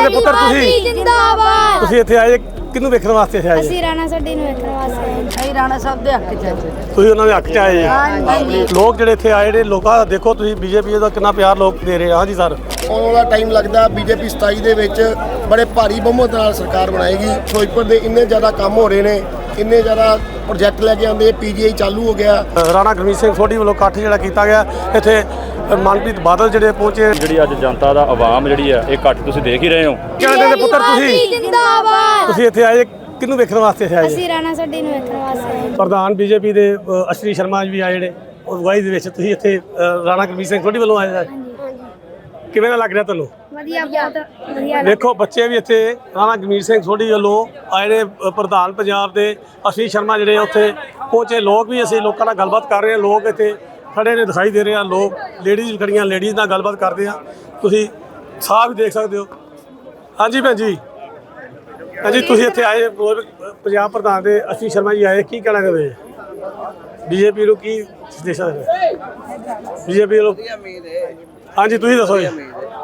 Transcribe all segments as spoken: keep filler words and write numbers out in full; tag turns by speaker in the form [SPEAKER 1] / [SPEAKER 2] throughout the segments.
[SPEAKER 1] ਦੇ ਪੁੱਤਰ ਤੁਸੀਂ
[SPEAKER 2] ਜਿੰਦਾਬਾਦ।
[SPEAKER 1] ਤੁਸੀਂ ਇੱਥੇ ਆਏ ਕਿਹਨੂੰ ਵੇਖਣ ਵਾਸਤੇ ਇੱਥੇ ਆਏ ਜੀ?
[SPEAKER 2] ਅਸੀਂ ਰਾਣਾ ਸੋਢੀ ਨੂੰ ਵੇਖਣ ਵਾਸਤੇ ਆਏ।
[SPEAKER 3] ਅਸੀਂ ਰਾਣਾ ਸਾਹਿਬ ਦੇ ਹੱਕ ਚ ਆਏ।
[SPEAKER 1] ਤੁਸੀਂ ਉਹਨਾਂ ਦੇ ਹੱਕ 'ਚ ਆਏ ਜੀ।
[SPEAKER 3] ਹਾਂਜੀ।
[SPEAKER 1] ਲੋਕ ਜਿਹੜੇ ਇੱਥੇ ਆਏ ਨੇ ਲੋਕਾਂ ਦਾ ਦੇਖੋ ਤੁਸੀਂ ਬੀਜੇਪੀ ਦਾ ਕਿੰਨਾ ਪਿਆਰ ਲੋਕ ਦੇ ਰਹੇ ਆ। ਹਾਂਜੀ ਸਰ,
[SPEAKER 4] ਆਉਣ ਵਾਲਾ ਟਾਈਮ ਲੱਗਦਾ ਬੀਜੇਪੀ ਸਤਾਈ ਦੇ ਵਿੱਚ ਬੜੇ ਭਾਰੀ ਬਹੁਮਤ ਨਾਲ ਸਰਕਾਰ ਬਣਾਏਗੀ। ਫਿਰੋਜ਼ਪੁਰ ਦੇ ਇੰਨੇ ਜ਼ਿਆਦਾ ਕੰਮ ਹੋ ਰਹੇ ਨੇ, ਇੰਨੇ ਜ਼ਿਆਦਾ ਪ੍ਰੋਜੈਕਟ ਲੈ ਕੇ ਆਉਂਦੇ, ਪੀਜੀਆਈ ਚਾਲੂ ਹੋ ਗਿਆ।
[SPEAKER 1] ਰਾਣਾ ਗੁਰਮੀਤ ਸਿੰਘ ਸੋਢੀ ਵੱਲੋਂ ਇਕੱਠ ਜਿਹੜਾ ਕੀਤਾ ਗਿਆ ਇੱਥੇ ਮਨਪ੍ਰੀਤ ਬਾਦਲ ਜਿਹੜੇ ਪਹੁੰਚੇ।
[SPEAKER 5] ਜਿਹੜੀ ਅੱਜ ਜਨਤਾ ਦਾ ਆਵਾਮ ਜਿਹੜੀ ਆ ਇਹ ਇਕੱਠ ਤੁਸੀਂ ਦੇਖ ਹੀ ਰਹੇ ਹੋ।
[SPEAKER 1] ਕਹਿੰਦੇ ਦੇ ਪੁੱਤਰ ਤੁਸੀਂ
[SPEAKER 2] ਜਿੰਦਾਬਾਦ।
[SPEAKER 1] ਤੁਸੀਂ ਇੱਥੇ ਆਏ ਕਿਹਨੂੰ ਵੇਖਣ ਵਾਸਤੇ ਇੱਥੇ ਆਏ ਜੀ?
[SPEAKER 2] ਅਸੀਂ ਰਾਣਾ ਸੋਢੀ ਨੂੰ ਵੇਖਣ ਵਾਸਤੇ ਆਏ।
[SPEAKER 1] ਪ੍ਰਧਾਨ ਬੀਜੇਪੀ ਦੇ ਅ, ਅਸ਼ਵਨੀ ਸ਼ਰਮਾ ਜੀ ਵੀ ਆਏ ਨੇ ਉਹ ਅਗਵਾਈ ਦੇ ਵਿੱਚ। ਤੁਸੀਂ ਇੱਥੇ ਅ, ਰਾਣਾ ਗੁਰਮੀਤ ਸਿੰਘ ਸੋਢੀ ਵੱਲੋਂ ਆਏ ਜੀ। ਕਿਵੇਂ ਦਾ ਲੱਗ ਰਿਹਾ ਤੁਹਾਨੂੰ?
[SPEAKER 2] ਵਧੀਆ, ਬਹੁਤ ਵਧੀਆ।
[SPEAKER 1] ਦੇਖੋ ਬੱਚੇ ਵੀ ਇੱਥੇ ਰਾਣਾ ਗੁਰਮੀਤ ਸਿੰਘ ਸੋਢੀ ਵੱਲੋਂ ਆਏ ਨੇ। ਅ, ਪ੍ਰਧਾਨ ਪੰਜਾਬ ਦੇ ਅਸ਼ਵਨੀ ਸ਼ਰਮਾ ਜਿਹੜੇ ਉੱਥੇ ਪਹੁੰਚੇ। ਲੋਕ ਵੀ ਅਸੀਂ ਲੋਕਾਂ ਨਾਲ ਗੱਲਬਾਤ ਕਰ ਰਹੇ ਹਾਂ। ਲੋਕ ਇੱਥੇ ਖੜੇ ਨੇ ਦਿਖਾਈ ਦੇ ਰਹੇ ਆ। ਲੋਕ ਲੇਡੀਜ਼ ਵੀ ਖੜੀਆਂ, ਲੇਡੀਜ਼ ਨਾਲ ਗੱਲਬਾਤ ਕਰਦੇ ਆ। ਤੁਸੀਂ ਸਾਹ ਵੀ ਦੇਖ ਸਕਦੇ ਹੋ। ਹਾਂਜੀ ਭੈਣ ਜੀ, ਹਾਂਜੀ ਤੁਸੀਂ ਇੱਥੇ ਆਏ ਹੋਰ ਪੰਜਾਬ ਪ੍ਰਧਾਨ ਦੇ ਅਸ਼ਵਨੀ ਸ਼ਰਮਾ ਜੀ ਆਏ, ਕੀ ਕਹਿਣਾ ਚਾਹੁੰਦੇ ਬੀਜੇਪੀ ਨੂੰ? ਕੀ ਸੰਦੇਸ਼ਾ ਦੇਣਾ ਬੀਜੇਪੀ ਨੂੰ? ਹਾਂਜੀ ਤੁਸੀਂ ਦੱਸੋ ਜੀ।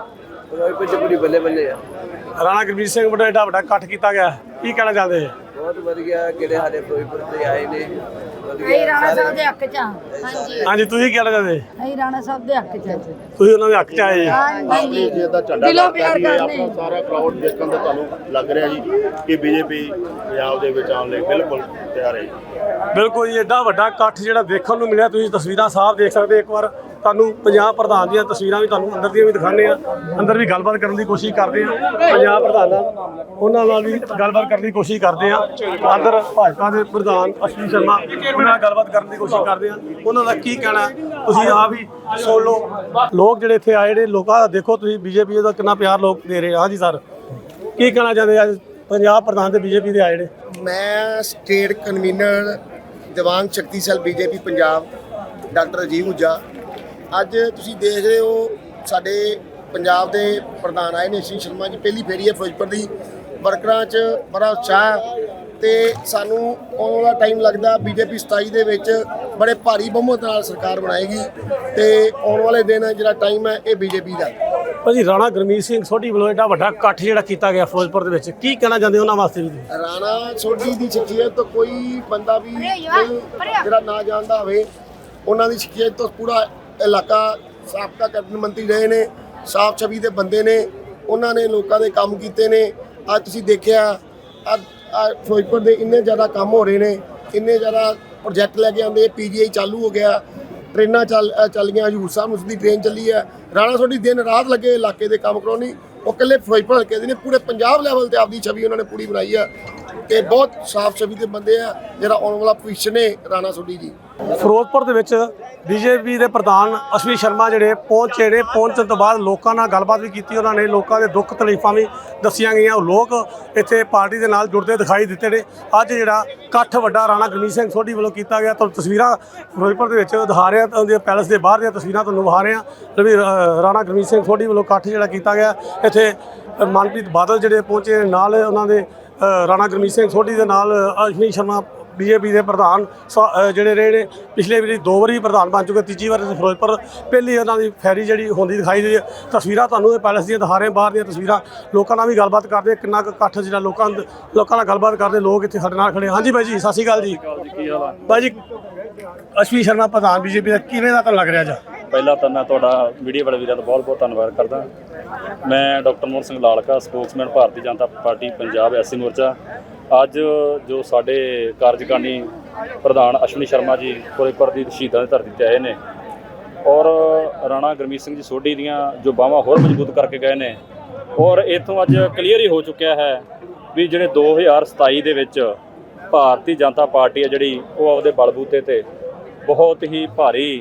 [SPEAKER 6] ਬੱਲੇ ਬੱਲੇ ਆ
[SPEAKER 1] ਰਾਣਾ ਗੁਰਮੀਤ ਸਿੰਘ ਵੱਲੋਂ ਏਡਾ ਵੱਡਾ ਇਕੱਠ ਕੀਤਾ ਗਿਆ, ਕੀ ਕਹਿਣਾ ਚਾਹੁੰਦੇ?
[SPEAKER 6] ਬਹੁਤ ਵਧੀਆ ਜਿਹੜੇ ਸਾਡੇ ਫਿਰੋਜ਼ਪੁਰ ਤੇ ਆਏ ਨੇ।
[SPEAKER 3] ਅਸੀਂ ਰਾਣਾ ਸਾਹਿਬ ਦੇ ਹੱਕ ਚ ਆ। ਹਾਂਜੀ।
[SPEAKER 1] ਹਾਂਜੀ ਤੁਸੀਂ ਕੀ ਕਹਿਣਾ ਚਾਹੁੰਦੇ?
[SPEAKER 3] ਅਸੀਂ ਰਾਣਾ ਸਾਹਿਬ ਦੇ ਹੱਕ ਚ ਆਏ।
[SPEAKER 1] ਤੁਸੀਂ ਉਹਨਾਂ ਦੇ ਹੱਕ 'ਚ ਆਏ ਜੀ।
[SPEAKER 3] ਹਾਂਜੀ।
[SPEAKER 4] ਜਿਹਦਾ ਝੰਡਾ
[SPEAKER 3] ਦਿਲੋਂ ਪਿਆਰ
[SPEAKER 4] ਆਪਣਾ
[SPEAKER 3] ਕਰਦੇ।
[SPEAKER 4] ਸਾਰਾ ਕਰਾਊਡ ਦੇਖਣ ਦਾ ਤੁਹਾਨੂੰ ਲੱਗ ਰਿਹਾ ਜੀ ਕਿ ਬੀਜੇਪੀ ਪੰਜਾਬ ਦੇ ਵਿੱਚ ਆਉਣ ਲਈ ਬਿਲਕੁਲ ਤਿਆਰ ਹੈ ਜੀ।
[SPEAKER 1] ਬਿਲਕੁਲ ਜੀ, ਏਡਾ ਵੱਡਾ ਇਕੱਠ ਜਿਹੜਾ ਦੇਖਣ ਨੂੰ ਮਿਲਿਆ। ਤੁਸੀਂ ਤਸਵੀਰਾਂ ਸਾਫ਼ ਦੇਖ ਸਕਦੇ। ਇੱਕ ਵਾਰ ਤੁਹਾਨੂੰ ਪੰਜਾਬ ਪ੍ਰਧਾਨ ਦੀਆਂ ਤਸਵੀਰਾਂ ਵੀ ਤੁਹਾਨੂੰ ਅੰਦਰ ਦੀਆਂ ਵੀ ਦਿਖਾਉਂਦੇ ਆ। ਅੰਦਰ ਵੀ ਗੱਲਬਾਤ ਕਰਨ ਦੀ ਕੋਸ਼ਿਸ਼ ਕਰਦੇ ਆ ਪੰਜਾਬ ਪ੍ਰਧਾਨ ਨਾਲ, ਉਹਨਾਂ ਨਾਲ ਵੀ ਗੱਲਬਾਤ ਕਰਨ ਦੀ ਕੋਸ਼ਿਸ਼ ਕਰਦੇ ਆ। ਅੰਦਰ ਭਾਜਪਾ ਦੇ ਪ੍ਰਧਾਨ ਅਸ਼ਵਨੀ ਸ਼ਰਮਾ ਉਹਨਾਂ ਨਾਲ ਗੱਲਬਾਤ ਕਰਨ ਦੀ ਕੋਸ਼ਿਸ਼ ਕਰਦੇ ਆ। ਉਹਨਾਂ ਦਾ ਕੀ ਕਹਿਣਾ ਤੁਸੀਂ ਆਪ ਹੀ ਸੁਣ ਲਓ। ਲੋਕ ਜਿਹੜੇ ਇੱਥੇ ਆਏ ਨੇ ਲੋਕਾਂ ਦਾ ਦੇਖੋ ਤੁਸੀਂ ਬੀਜੇਪੀ ਦਾ ਕਿੰਨਾ ਪਿਆਰ ਲੋਕ ਦੇ ਰਹੇ ਆ। ਹਾਂਜੀ ਸਰ, ਕੀ ਕਹਿਣਾ ਚਾਹੁੰਦੇ ਅੱਜ ਪੰਜਾਬ ਪ੍ਰਧਾਨ ਤੇ ਬੀਜੇਪੀ ਦੇ ਆਏ ਨੇ?
[SPEAKER 4] ਮੈਂ state convener Diwan Shakti cell BJP Punjab doctor Ajib Huja. ਅੱਜ ਤੁਸੀਂ ਦੇਖ ਰਹੇ ਹੋ ਸਾਡੇ ਪੰਜਾਬ ਦੇ ਪ੍ਰਧਾਨ ਆਏ ਨੇ ਅਸ਼ਵਨੀ ਸ਼ਰਮਾ ਜੀ। ਪਹਿਲੀ ਫੇਰੀ ਹੈ ਫਿਰੋਜ਼ਪੁਰ ਦੀ। ਵਰਕਰਾਂ 'ਚ ਬੜਾ ਉਤਸ਼ਾਹ ਤੇ ਸਾਨੂੰ ਆਉਣ ਵਾਲਾ ਟਾਈਮ ਲੱਗਦਾ ਬੀਜੇਪੀ ਸਤਾਈ ਦੇ ਵਿੱਚ ਬੜੇ ਭਾਰੀ ਬਹੁਮਤ ਨਾਲ ਸਰਕਾਰ ਬਣਾਏਗੀ ਤੇ ਆਉਣ ਵਾਲੇ ਦਿਨ ਜਿਹੜਾ ਟਾਈਮ ਹੈ ਇਹ ਬੀਜੇਪੀ ਦਾ।
[SPEAKER 1] ਭਾਜੀ ਰਾਣਾ ਗੁਰਮੀਤ ਸਿੰਘ ਸੋਢੀ ਵੱਲੋਂ ਏਡਾ ਵੱਡਾ ਇਕੱਠ ਜਿਹੜਾ ਕੀਤਾ ਗਿਆ ਫਿਰੋਜ਼ਪੁਰ ਦੇ ਵਿੱਚ, ਕੀ ਕਹਿਣਾ ਚਾਹੁੰਦੇ ਉਹਨਾਂ ਵਾਸਤੇ ਵੀ?
[SPEAKER 4] ਰਾਣਾ ਸੋਢੀ ਦੀ ਸ਼ਖਸੀਅਤ ਤੋਂ ਕੋਈ ਬੰਦਾ ਵੀ ਨਹੀਂ ਜਿਹੜਾ ਨਾ ਜਾਣਦਾ ਹੋਵੇ। ਉਹਨਾਂ ਦੀ ਸ਼ਖਸੀਅਤ ਤੋਂ ਪੂਰਾ ਇਲਾਕਾ ਸਾਬਕਾ ਕੈਬਨਿਟ ਮੰਤਰੀ ਰਹੇ ਨੇ, ਸਾਫ ਛਵੀ ਦੇ ਬੰਦੇ ਨੇ। ਉਹਨਾਂ ਨੇ ਲੋਕਾਂ ਦੇ ਕੰਮ ਕੀਤੇ ਨੇ। ਅੱਜ ਤੁਸੀਂ ਦੇਖਿਆ ਅੱਜ ਫਿਰੋਜ਼ਪੁਰ ਦੇ ਇੰਨੇ ਜ਼ਿਆਦਾ ਕੰਮ ਹੋ ਰਹੇ ਨੇ, ਇੰਨੇ ਜ਼ਿਆਦਾ ਪ੍ਰੋਜੈਕਟ ਲੈ ਕੇ ਆਉਂਦੇ, ਪੀਜੀਆਈ ਚਾਲੂ ਹੋ ਗਿਆ, ਟ੍ਰੇਨਾਂ ਚੱਲ ਚੱਲ ਗਈਆਂ, ਹਜ਼ੂਰ ਸਾਹਿਬ ਨੂੰ ਦੀ ਟ੍ਰੇਨ ਚੱਲੀ ਹੈ। ਰਾਣਾ ਸੋਢੀ ਦਿਨ ਰਾਤ ਲੱਗੇ ਇਲਾਕੇ ਦੇ ਕੰਮ ਕਰਾਉਣੀ। ਉਹ ਇਕੱਲੇ ਫਿਰੋਜ਼ਪੁਰ ਹਲਕੇ ਦੇ ਨੇ, ਪੂਰੇ ਪੰਜਾਬ ਲੈਵਲ ਤੇ ਆਪਦੀ ਛਵੀ ਉਹਨਾਂ ਨੇ ਪੂਰੀ ਬਣਾਈ ਆ ਤੇ ਬਹੁਤ ਸਾਫ ਛਵੀ ਦੇ ਬੰਦੇ ਆ। ਜਿਹੜਾ ਆਉਣ ਵਾਲਾ ਭਵਿੱਖ ਨੇ ਰਾਣਾ ਸੋਢੀ ਜੀ।
[SPEAKER 1] ਫਿਰੋਜ਼ਪੁਰ ਦੇ ਵਿੱਚ ਬੀਜੇਪੀ ਦੇ ਪ੍ਰਧਾਨ ਅਸ਼ਵਨੀ ਸ਼ਰਮਾ ਜਿਹੜੇ ਪਹੁੰਚੇ ਨੇ। ਪਹੁੰਚਣ ਤੋਂ ਬਾਅਦ ਲੋਕਾਂ ਨਾਲ ਗੱਲਬਾਤ ਵੀ ਕੀਤੀ। ਉਹਨਾਂ ਨੇ ਲੋਕਾਂ ਦੇ ਦੁੱਖ ਤਕਲੀਫਾਂ ਵੀ ਦੱਸੀਆਂ ਗਈਆਂ। ਉਹ ਲੋਕ ਇੱਥੇ ਪਾਰਟੀ ਦੇ ਨਾਲ ਜੁੜਦੇ ਦਿਖਾਈ ਦਿੱਤੇ ਨੇ। ਅੱਜ ਜਿਹੜਾ ਇਕੱਠ ਵੱਡਾ ਰਾਣਾ ਗੁਰਮੀਤ ਸਿੰਘ ਸੋਢੀ ਵੱਲੋਂ ਕੀਤਾ ਗਿਆ, ਤੁਹਾਨੂੰ ਤਸਵੀਰਾਂ ਫਿਰੋਜ਼ਪੁਰ ਦੇ ਵਿੱਚ ਦਿਖਾ ਰਹੇ ਹਾਂ। ਉਹਦੇ ਪੈਲਸ ਦੇ ਬਾਹਰ ਦੀਆਂ ਤਸਵੀਰਾਂ ਤੁਹਾਨੂੰ ਵਿਖਾ ਰਹੇ ਹਾਂ ਵੀ ਰਾਣਾ ਗੁਰਮੀਤ ਸਿੰਘ ਸੋਢੀ ਵੱਲੋਂ ਇਕੱਠ ਜਿਹੜਾ ਕੀਤਾ ਗਿਆ। ਇੱਥੇ ਮਨਪ੍ਰੀਤ ਬਾਦਲ ਜਿਹੜੇ ਪਹੁੰਚੇ ਨਾਲ ਉਹਨਾਂ ਦੇ ਰਾਣਾ ਗੁਰਮੀਤ ਸਿੰਘ ਸੋਢੀ ਦੇ ਨਾਲ ਅਸ਼ਵਨੀ ਸ਼ਰਮਾ ਬੀਜੇਪੀ ਦੇ ਪ੍ਰਧਾਨ ਜਿਹੜੇ ਰਹੇ ਨੇ। ਪਿਛਲੇ ਵਾਰੀ ਦੋ ਵਾਰੀ ਪ੍ਰਧਾਨ ਬਣ ਚੁੱਕੇ, ਤੀਜੀ ਵਾਰ ਫਿਰੋਜ਼ਪੁਰ ਪਹਿਲੀ ਉਹਨਾਂ ਦੀ ਫੈਰੀ ਜਿਹੜੀ ਹੁੰਦੀ ਦਿਖਾਈ ਦੇ। ਤਸਵੀਰਾਂ ਤੁਹਾਨੂੰ ਇਹ ਪੈਲਸ ਦੀਆਂ ਦਿਖਾ ਰਹੇ, ਬਾਹਰ ਦੀਆਂ ਤਸਵੀਰਾਂ। ਲੋਕਾਂ ਨਾਲ ਵੀ ਗੱਲਬਾਤ ਕਰਦੇ, ਕਿੰਨਾ ਕੁ ਇਕੱਠ ਜਿਹੜਾ ਲੋਕਾਂ ਲੋਕਾਂ ਨਾਲ ਗੱਲਬਾਤ ਕਰਦੇ। ਲੋਕ ਇੱਥੇ ਸਾਡੇ ਨਾਲ ਖੜੇ। ਹਾਂਜੀ ਬਾਈ ਜੀ, ਸਤਿ ਸ਼੍ਰੀ ਅਕਾਲ ਜੀ। ਬਾਈ ਜੀ, ਅਸ਼ਵਨੀ ਸ਼ਰਮਾ ਪ੍ਰਧਾਨ ਬੀਜੇਪੀ ਦਾ ਕਿਵੇਂ ਦਾ ਤੁਹਾਨੂੰ ਲੱਗ ਰਿਹਾ ਜੀ?
[SPEAKER 5] ਪਹਿਲਾਂ ਤਾਂ ਮੈਂ ਤੁਹਾਡਾ ਮੀਡੀਆ ਵਾਲੇ ਵੀਰਾਂ ਦਾ ਬਹੁਤ ਬਹੁਤ ਧੰਨਵਾਦ ਕਰਦਾ। ਮੈਂ doctor Mohan Singh Lalka, spokesman Bharatiya Janata party Punjab SC Morcha. ਅੱਜ ਜੋ ਸਾਡੇ ਕਾਰਜਕਾਰਨੀ ਪ੍ਰਧਾਨ ਅਸ਼ਵਨੀ ਸ਼ਰਮਾ ਜੀ ਫਿਰੋਜ਼ਪੁਰ ਦੀ ਸ਼ਹੀਦਾਂ ਦੀ ਧਰਤੀ 'ਤੇ ਆਏ ਨੇ ਔਰ ਰਾਣਾ ਗੁਰਮੀਤ ਸਿੰਘ ਜੀ ਸੋਢੀ ਦੀਆਂ ਜੋ ਬਾਹਾਂ ਹੋਰ ਮਜ਼ਬੂਤ ਕਰਕੇ ਗਏ ਨੇ। ਔਰ ਇੱਥੋਂ ਅੱਜ ਕਲੀਅਰ ਹੀ ਹੋ ਚੁੱਕਿਆ ਹੈ ਵੀ ਜਿਹੜੇ ਦੋ ਹਜ਼ਾਰ ਸਤਾਈ ਦੇ ਵਿੱਚ ਭਾਰਤੀ ਜਨਤਾ ਪਾਰਟੀ ਹੈ ਜਿਹੜੀ ਉਹ ਆਪਦੇ ਬਲਬੂਤੇ 'ਤੇ ਬਹੁਤ ਹੀ ਭਾਰੀ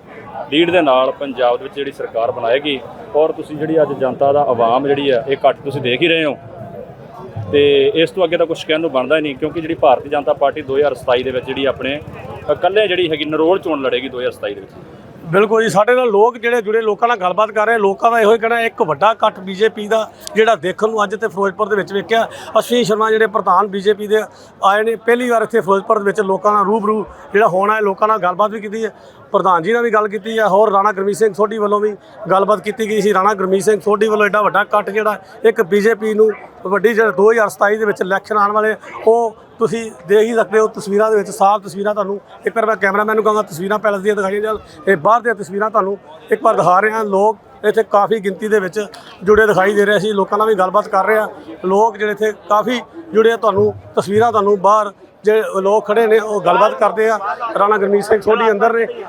[SPEAKER 5] ਲੀਡ ਦੇ ਨਾਲ ਪੰਜਾਬ ਦੇ ਵਿੱਚ ਜਿਹੜੀ ਸਰਕਾਰ ਬਣਾਏਗੀ। ਔਰ ਤੁਸੀਂ ਜਿਹੜੀ ਅੱਜ ਜਨਤਾ ਦਾ ਆਵਾਮ ਜਿਹੜੀ ਆ ਇਹ ਇਕੱਠ ਤੁਸੀਂ ਦੇਖ ਹੀ ਰਹੇ ਹੋ ਤੇ ਇਸ ਤੋਂ ਅੱਗੇ ਤਾਂ ਕੁਛ ਕਹਿਣ ਨੂੰ ਬਣਦਾ ਹੀ ਨਹੀਂ, ਕਿਉਂਕਿ ਜਿਹੜੀ ਭਾਰਤੀ ਜਨਤਾ ਪਾਰਟੀ ਦੋ ਹਜ਼ਾਰ ਸਤਾਈ ਦੇ ਵਿੱਚ ਜਿਹੜੀ ਆਪਣੇ ਇਕੱਲੇ ਜਿਹੜੀ ਹੈਗੀ ਨਰੋਲ ਚੋਣ ਲੜੇਗੀ ਦੋ ਹਜ਼ਾਰ ਸਤਾਈ ਦੇ ਵਿੱਚ।
[SPEAKER 1] ਬਿਲਕੁਲ ਜੀ, ਸਾਡੇ ਨਾਲ ਲੋਕ ਜਿਹੜੇ ਜੁੜੇ ਲੋਕਾਂ ਨਾਲ ਗੱਲਬਾਤ ਕਰ ਰਹੇ। ਲੋਕਾਂ ਦਾ ਇਹੋ ਹੀ ਕਹਿਣਾ ਇੱਕ ਵੱਡਾ ਇਕੱਠ ਬੀਜੇਪੀ ਦਾ ਜਿਹੜਾ ਦੇਖਣ ਨੂੰ ਅੱਜ ਤੇ ਫਿਰੋਜ਼ਪੁਰ ਦੇ ਵਿੱਚ ਵੇਖਿਆ। ਅਸ਼ਵਨੀ ਸ਼ਰਮਾ ਜਿਹੜੇ ਪ੍ਰਧਾਨ ਬੀਜੇਪੀ ਦੇ ਆਏ ਨੇ, ਪਹਿਲੀ ਵਾਰ ਇੱਥੇ ਫਿਰੋਜ਼ਪੁਰ ਦੇ ਵਿੱਚ ਲੋਕਾਂ ਨਾਲ ਰੂਬਰੂ ਜਿਹੜਾ ਹੋਣਾ ਹੈ। ਲੋਕਾਂ ਨਾਲ ਗੱਲਬਾਤ ਵੀ ਕੀਤੀ ਹੈ। ਪ੍ਰਧਾਨ ਜੀ ਨਾਲ ਵੀ ਗੱਲ ਕੀਤੀ ਹੈ। ਹੋਰ ਰਾਣਾ ਗੁਰਮੀਤ ਸਿੰਘ ਸੋਢੀ ਵੱਲੋਂ ਵੀ ਗੱਲਬਾਤ ਕੀਤੀ ਗਈ ਸੀ। ਰਾਣਾ ਗੁਰਮੀਤ ਸਿੰਘ ਸੋਢੀ ਵੱਲੋਂ ਐਡਾ ਵੱਡਾ ਕੱਟ ਜਿਹੜਾ ਇੱਕ ਬੀਜੇਪੀ ਨੂੰ ਵੱਡੀ ਜਿਹੜਾ ਦੋ ਹਜ਼ਾਰ ਸਤਾਈ ਦੇ ਵਿੱਚ ਇਲੈਕਸ਼ਨ ਆਉਣ ਵਾਲੇ ਉਹ ਤੁਸੀਂ ਦੇਖ ਹੀ ਸਕਦੇ ਹੋ ਤਸਵੀਰਾਂ ਦੇ ਵਿੱਚ ਸਾਫ਼ ਤਸਵੀਰਾਂ ਤੁਹਾਨੂੰ ਇੱਕ ਵਾਰ ਮੈਂ ਕੈਮਰਾਮੈਨ ਨੂੰ ਕਹਾਂਗਾ ਤਸਵੀਰਾਂ ਪੈਲਸ ਦੀਆਂ ਦਿਖਾਈਆਂ ਜਾਣ। ਇਹ ਬਾਹਰ ਦੀਆਂ ਤਸਵੀਰਾਂ ਤੁਹਾਨੂੰ ਇੱਕ ਵਾਰ ਦਿਖਾ ਰਹੇ ਹਾਂ। ਲੋਕ ਇੱਥੇ ਕਾਫੀ ਗਿਣਤੀ ਦੇ ਵਿੱਚ ਜੁੜੇ ਦਿਖਾਈ ਦੇ ਰਹੇ ਸੀ। ਲੋਕਾਂ ਨਾਲ ਵੀ ਗੱਲਬਾਤ ਕਰ ਰਹੇ ਹਾਂ। ਲੋਕ ਜਿਹੜੇ ਇੱਥੇ ਕਾਫੀ ਜੁੜੇ ਆ, ਤੁਹਾਨੂੰ ਤਸਵੀਰਾਂ ਤੁਹਾਨੂੰ ਬਾਹਰ ਜਿਹੜੇ ਲੋਕ ਖੜੇ ਨੇ ਉਹ ਗੱਲਬਾਤ ਕਰਦੇ ਆ। ਰਾਣਾ ਗੁਰਮੀਤ ਸਿੰਘ ਸੋਢੀ ਅੰਦਰ ਨੇ।